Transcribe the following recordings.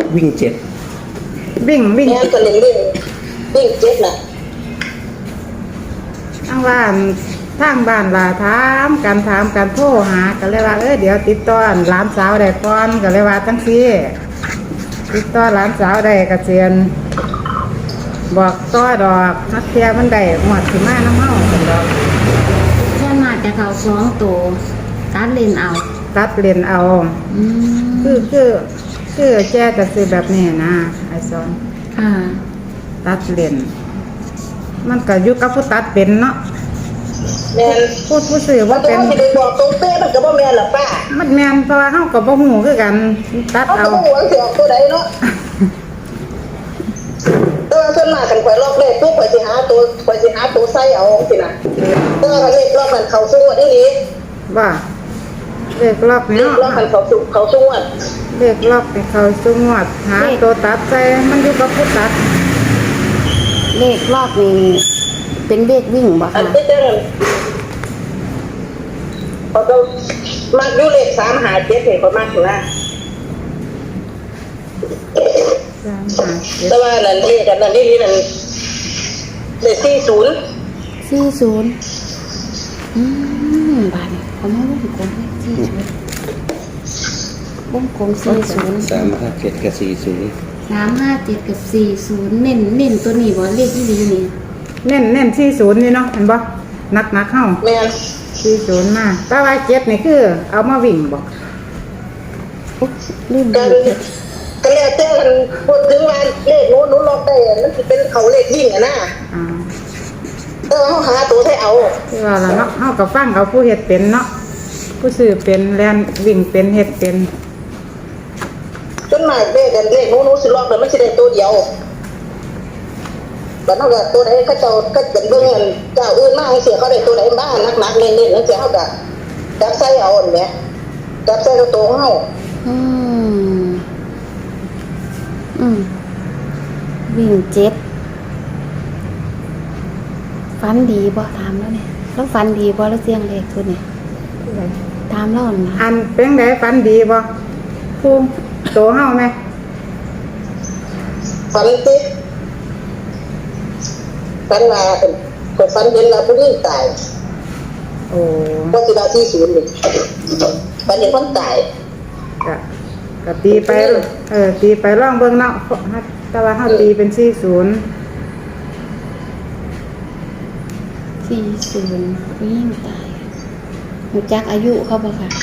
วิ่งเจ็ดวิ่งแม่ก็เล่นวิ่งเจ็ดน่ะทางบ้านล่ะถามกันโทรหาก็เลยว่าเดี๋ยวติดต่อหลานสาวได้ก่อนก็เลยว่าจังซี่ติดต่อหลานสาวได้ก็เซียนบอกต่อดอกนักเที่ยมันได้หมดสิมาน้ำเฮาซั่นดอกแค่มาจะเขา2ตัวตัดเลนเอาตัดเรียนเอาคือแจ้จะซื้อแบบนี้นะไอ้สอนค่ะตัดเรียนมันก็อยู่กับผู้ตัดเป็นเนาะแม่นผู้ซื้อว่าเป็นสิไปบอกตรงเป๊ะมันก็บ่แม่นหรอกป้ามันแม่นเพราะว่าเฮาก็บ่ฮู้คือกันตัดเอาบ่ฮู้ว่าสิออกตัวใดเนาะตัวส่วนมากกันข่อยลอกเลขปุ๊บข่อยสิหาตัวใส่เอาสินะตัวเลขรอบมันเข้าสู้อีหลีว่าเลขล็อกนี่เนาะรอบมันเข้าสู้เลขล็อกให้เขาสู้งวดหาตัวตัดใส่มันอยู่กับผู้ตัดเลขรอบนี้เป็นเลขวิ่งบ่อันคะที่เด้อพอเรามักอยู่เลข3 5 7นี่ก็มักอยู่นะแต่ว่านั่นนี่กันนั่นนี่นั่นเลข40 บาทนี่เขามาวงกลมเลข40วงกลม40 357กับ40 357กับ40เน้นตัวนี้บ่เลขที่ดีนี่เน้น40นี่เนาะเห็นบ่นักเฮาแม่น 40มาแต่ว่า7นี่คือเอามาวิ่งบ่ลืมก็แล้วแต่กันพูดถึงว่าเลขโน้นล็อกได้มันสิเป็นเขาเลขวิ่งนะเขาหาตัวให้เอาที่ว่าล่ะเนาะเฮาก็ฟังเอาผู้เฮ็ดเป็นเนาะผู้ซื้อเป็นแล่นวิ่งเป็นเฮ็ดเป็นจนมาเลขโน้นสิล็อกแต่มันสิได้ตัวเดียวบัดนั้นก็ตัวใดเขาเจ้าก็เป็นเบิ่งเงินเจ้าอื่นมาให้เสียเขาได้ตัวใดบ้างนักๆเน้นๆแล้วเสียเขาก็จับใส่เอาอันเนี้ยจับใส่ตัวเฮาวิ่ง7ฟันดีบ่ถามแล้วเนี่ยแล้วฟันดีบ่แล้วเสียงเลขตัวนี้ถามแล้วนะอันเป็นไดฟันดีบ่ภูมิโตเฮาแม่ฟันติฟันมาก็ฟันเห็นแล้วผู้หญิงตายโอ้ก็สิว่าที่0นี่ฟันเห็นคนตายก็ตีไปลองเบิ่งเนาะแต่ว่าเฮาตีเป็น40 วิ่งตายรู้จักอายุเขาบ่ค่ะ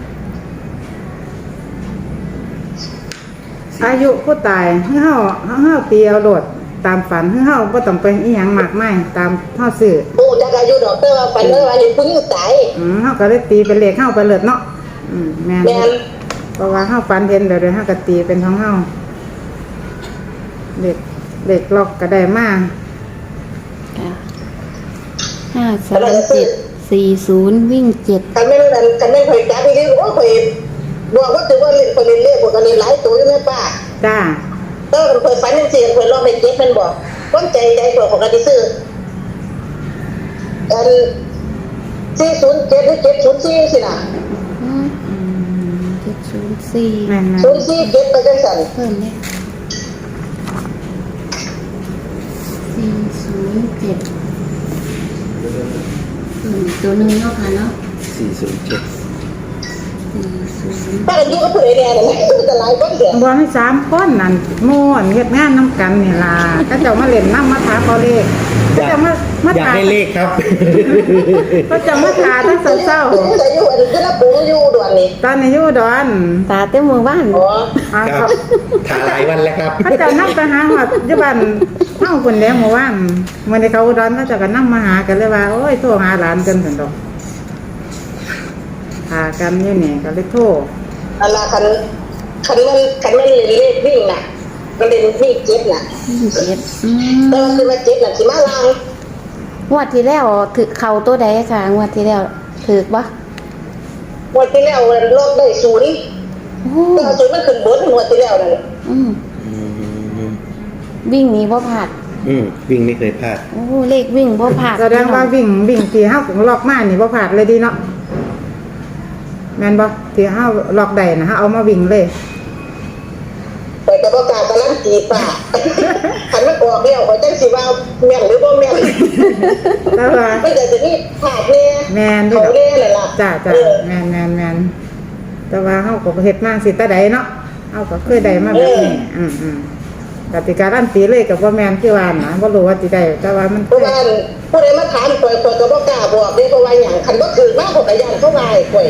อายุผู้ตายเฮาตีเอาโลดตามฝันเฮาบ่ต้องไปอีหยังมากมายตามเฮาซื้อโอ้จักอายุดอกแต่ว่าฝันว่าเห็นผู้หญิงตายเฮาก็เลยตีเป็นเลขเฮาไปเลิศเนาะแม่นเพราะว่าเฮาฝันเห็นเดี๋ยวเฮาก็ตีเป็นของเฮาเลขล็อกก็ได้มา 53740วิ่ง7 คันแม่นข่อยจับอีหลีโอ้ข่อยบอกว่าถือว่าเล่นคนเล่นพวกกันนี่หลายตัวอยู่แม่ป้าจ้าก็ข่อยฝันจังซี่ข่อยลองไปเก็บมันบ่ความใจข่อยของกันซื้ออัน407หรือ704สิน่ะ 704 แม่น 047ไปจังซั่นเพิ่มเด้407ตัวนึงเนาะค่ะเนาะ 407 ป้าอยู่กับผู้ใดแน่น่ะจะหลายคนเด้อบ่ให้3คนนั่นโม่นเฮ็ดงานนำกันนี่ล่ะก็เจ้ามาเล่นนำมาถามเอาเลขก็เจ้ามาอยากได้เลขครับก็เจ้ามาถามตั้งเช้าๆแต่อยู่อันนี้ละปูอยู่ด่วนนี่ตอนนี้อยู่ดอนตาเต็มเมืองบ้านอ๋อครับถ่ายหลายวันแล้วครับเขาเจ้านำไปหาฮอดอยู่บ้านเฮาพุ่นแล้วเมื่อวานมื้อนี้เขาอุดรเขาเจ้าก็นำมาหากันเลยว่าโอ้ยโทรหาหลานกันซั่นดอกหากันอยู่นี่ก็เลยโทรอันละคันมันเลขวิ่งน่ะก็เล่นวิ่ง7น่ะแต่ว่าคือว่า7น่ะสิมาลางงวดที่แล้วถือเข้าตัวใดค่ะงวดที่แล้วถือบ่งวดที่แล้วลดได้0แต่0มันขึ้นบนงวดที่แล้วนั่นวิ่งนี้บ่พลาดวิ่งไม่เคยพลาดโอ้เลขวิ่งบ่พลาดแสดงว่าวิ่งที่เฮาล็อกมานี่บ่พลาดเลยดีเนาะแม่นบ่ที่เฮาล็อกได้นะเฮาเอามาวิ่งเลยไปกับประกาศกำลังจีป่าขันมันออกแล้วข่อยจังสิว่าแม่นหรือบ่แม่นแต่ว่าไม่แต่จะนี่ขาดแน่แม่นเขาแน่เลยล่ะจ้าแม่นแต่ว่าเฮาก็เฮ็ดมาสิแต่ใดเนาะเฮาก็เคยได้มาแบบนี้กติการันตีเลยกับบ่แม่นคือว่านะบ่รู้ว่าสิได้แต่ว่ามันเพราะว่าผู้ใดมาถามข่อยก็บ่กล้าบอกเด้เพราะว่าหยังคันบ่ถือมากข่อยก็ย่านเขาวายข่อย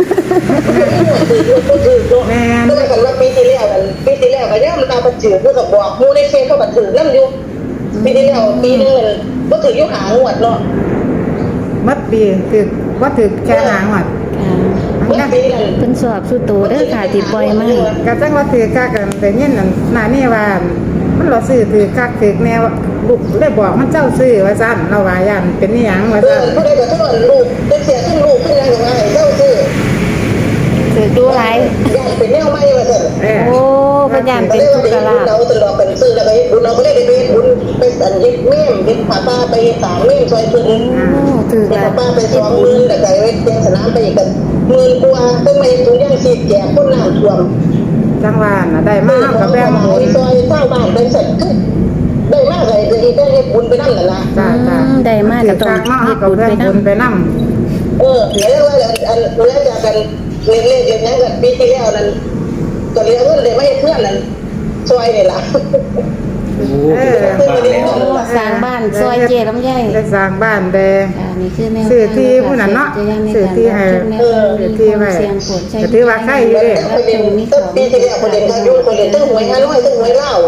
แม่นก็กันว่าปีที่แล้วก็ยังมันตาบ่ถือคือก็บอกหมู่ในเฟซเขาก็ถือนำอยู่ปีที่แล้วปีนึงบ่ถืออยู่หางวดเนาะมัดปีคือบ่ถือแค่หางวัดค่ะเพิ่นสอบสู่โตเด้อค่ะที่ปล่อยมาก็จังว่าถือคักกันแต่ยินนั่นหน้านี่ว่ามันรอซื้อถือคักถือแนวลูกเลยบอกมันเจ้าซื้อว่าซั่นเราว่าย่านเป็นอีหยังว่าซั่นผู้ใดก็โทษลูกเป็นเสียขึ้นลูกขึ้นยังไงเจ้าซื้อถือดูหลายย่านเป็นแนวใหม่ว่าซั่นโอ้พยายามเป็นทุกข์กะลาบเราตลอดกันซื้อแล้วก็บุญเราก็ได้ไปบุญไปสันยิบเมี่ยมยิบผ้าป้าไปตากเมี่ยมซอยพื้นโอ้ถือผ้าละป้าไป20,000แต่ไก่ไว้เต็มสนามไปอีกกัน10,000กว่าต้องมาถุงย่างสีแจกคนน้ำท่วมจังว่าน่ะได้มาก็แบ่งบุญซอยเศร้าบ้านเป็นเสร็จได้มากเลยอีกได้บุญไปนั่นแหละนะจ้าได้มากก็ต้องมาเฮ็ดก็บุญแบ่ไปงนำบุญไปนำเดี๋ยวว่าอันเวลาจากกันเล่นๆอย่างนี้กันปีที่แล้วนั้นก็เลี้ยงเงินเลยไม่ให้เพื่อนนั้นซอยนี่ล่ะโอ้สร้างบ้านแล้วโอ้สร้างบ้านซอยเจลำไยได้สร้างบ้านได้ค่ะนี่คือแนวซื้อที่ผู้นั้นเนาะซื้อที่ให้ซื้อที่ไว้ก็ถือว่าใครอยู่เด้ประเด็นปีที่แล้วประเด็นการยุ่งประเด็นตั้งหวยฮานอยตั้งหวยเล่า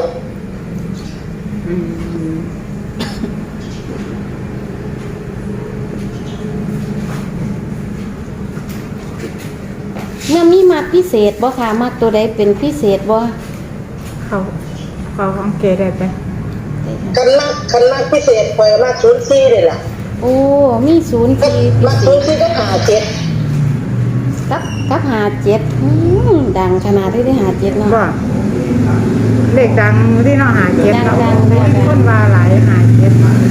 เมื่อมีมักพิเศษบ่ค่ะมักตัวใดเป็นพิเศษบ่เขาของเกได้ไปคันนักพิเศษคอยมาก04เลยล่ะโอ้มีศูนย์ที่พิมากเศษ 04ก็57 กับ57ดังขนาดที่ได้57เนาะบ่เลขดังที่เนาะหาเก็บเนาะดังๆคนว่าหลายหาเก็บ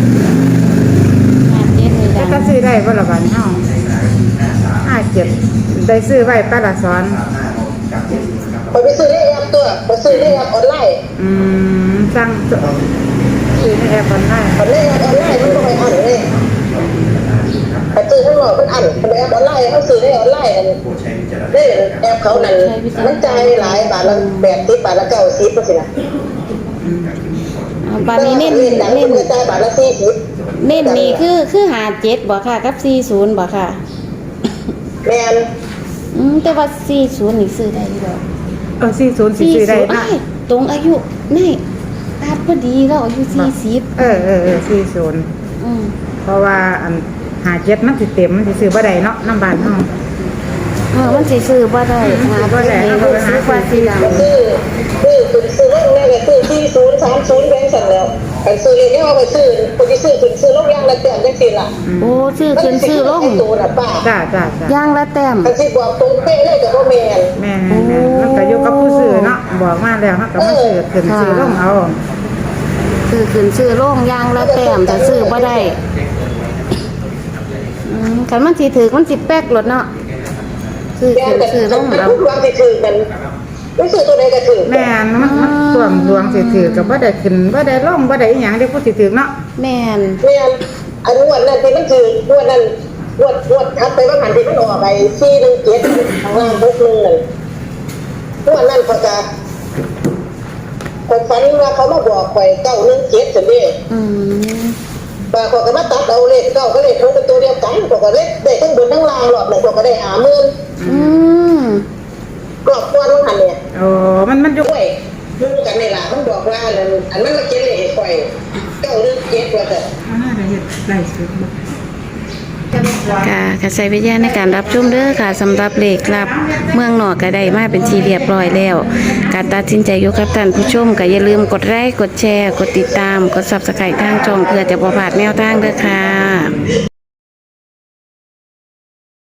57นี่แต่ดังก็ซื้อได้บ่ละบัดเฮาหาเก็บได้ซื้อไว้ปลาละสอนไปซื้อเลขแอปตัวไปซื้อเลขแอปออนไลน์สั่งซื้อในแอปออนไลน์เลขแอปออนไลน์มันก็ไม่อันเลยไปซื้อข้างนอกมันอันไปแอปออนไลน์เขาซื้อเลขออนไลน์นั่นได้แอปเขานั่นมันจ่ายหลายบาทละ80 บาทละ90ก็สินะบาดนี้เน้นเน้นจ่ายบาทละ40 เน้นนี่คือ57บ่ค่ะกับ40บ่ค่ะแม่นแต่ว่า40นี่ซื้อได้บ่ 40สิซื้อได้ 40 นะอ้ายตรงอายุนี่ตัดพอดีแล้วอายุ40 40เพราะว่าอันหาเก็บมันสิเต็มมันสิซื้อบ่ได้เนาะน้ำบ้านเฮามันสิซื้อบ่ได้หาบ่ได้เอาไปหาซื้อว่าสิดังซื้อลงแม่ก็ซื้อ4030แบงค์สั่นแล้วไปซื้อเลขเนี่ยเอาไปซื้อคนที่ซื้อลงอย่างละแต้มจังซี่ล่ะโอ้ซื้อขึ้นซื้อลงตัวน่ะป้าจ้าย่างละแต้มอันสิบอกตรงเป๊ะเลยก็บ่แม่นแม่มันก็อยู่กับผู้ซื้อเนาะบอกมาแล้วเฮาก็มาซื้อขึ้นซื้อลงเอาซื้อขึ้นซื้อลงย่างละแต้มแต่ซื้อบ่ได้คันมันสิถือมันสิแป๊กรถเนาะซื้อแม่ขึ้นแต่ซื้อลงมันเอาทุกวันสิถือกันไม่ซื้อตัวใดก็ถือแม่นมันท่วมดวงสิถือก็บ่ได้ขึ้นบ่ได้ลงบ่ได้อีหยังได้ผู้สิถือเนาะแม่นแม่นอันงวดนั้นที่มันถืองวดนั้นงวดทัดไปว่าหันที่มันออกไป417ข้างล่าง61นั่นงวดนั้นเขาจะคนฝันว่าเขามาบอกข่อย917ซั่นเด้อืมบางคนก็มาตัดเอาเลข9ก็เลขทุกเป็นตัวเดียวกันก็ก็เลขได้ทั้งบนทั้งล่างรอบนึงก็ได้50,000 อืมกรอบกวนว่าหันเนี่ยโอ้มันอยู่ด้วยรู้กันในหลามันบอกว่าอันนั้นมาเก็บเลยให้ข่อย917ว่าแต่มันน่าจะเฮ็ดได้สุดค่ะใช้วิทยาในการรับชมเด้อค่ะสำหรับเลขลับเมืองนอกก็ได้มาเป็นที่เรียบร้อยแล้ว การตัดสินใจอยู่กับท่านผู้ชมก็อย่าลืมกดไลค์กดแชร์กดติดตามกด Subscribe ทางช่องเพื่อจะบ่พลาดแนวทางเด้อค่ะ